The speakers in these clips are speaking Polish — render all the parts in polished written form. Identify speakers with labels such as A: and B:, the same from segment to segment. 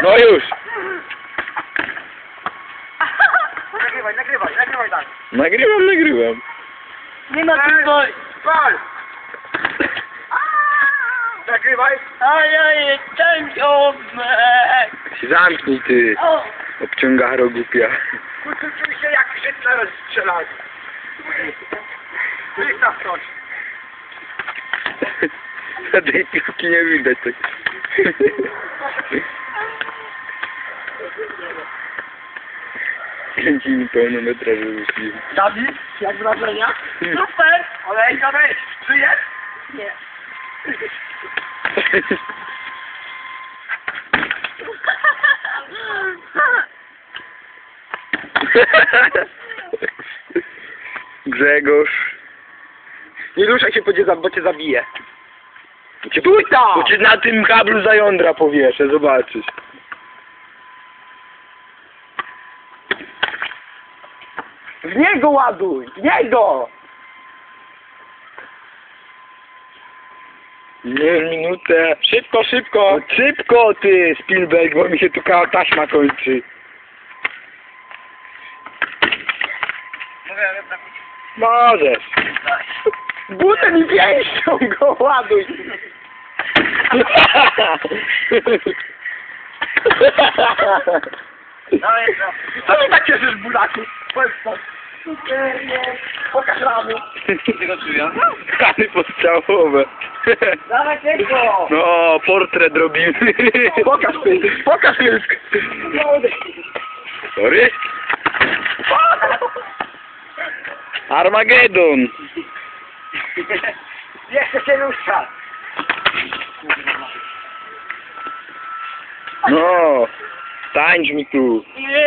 A: No już.
B: Nagrywaj tak.
A: Nagrywam.
C: Nie ma tu boj.
B: Gol! Nagrywaj.
C: Ojej, champion!
A: Zamknij ty.
C: O!
A: Obciągaro głupia.
B: Kurczę, czuj się jak Hitler strzelał. Wystaw coś.
A: A tej piłki nie widać tak. Kręci mi pełnometraże myśli.
B: Dawid, jak wrażenia?
C: Super!
B: Olejka, weź. Żyjesz?
C: Nie.
A: Grzegorz.
B: Nie ruszaj się, bo cię zabiję.
A: Stój tam! Bo cię na tym kablu za jądra powieszę, zobaczysz.
B: W niego ładuj! W niego!
A: Nie, minutę.
B: Szybko, szybko!
A: No szybko ty, Spielberg, bo mi się tu taśma kończy. Możesz.
B: Butem i pięścią go ładuj! Co mi tak cieszysz, buraku? Powiedz to. Pokaż ramy.
A: Rany postrzałowe.
C: Dawaj tego!
A: No, portret robimy.
B: Pokaż pysk.
A: Sorry? Armagedon.
B: Jeszcze się rusza.
A: No, tańcz mi tu.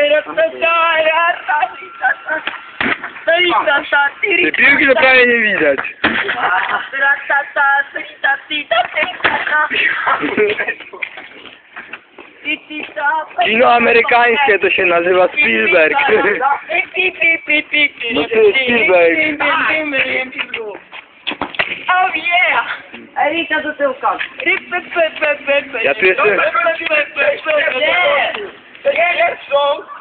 A: Te piłki to prawie nie widać. Kino amerykańskie to się nazywa Spielberg. No ty, Spielberg.
C: Oh yeah! Elita do tyłka.
A: Ja tu jestem...
C: Nie!
B: Nie są!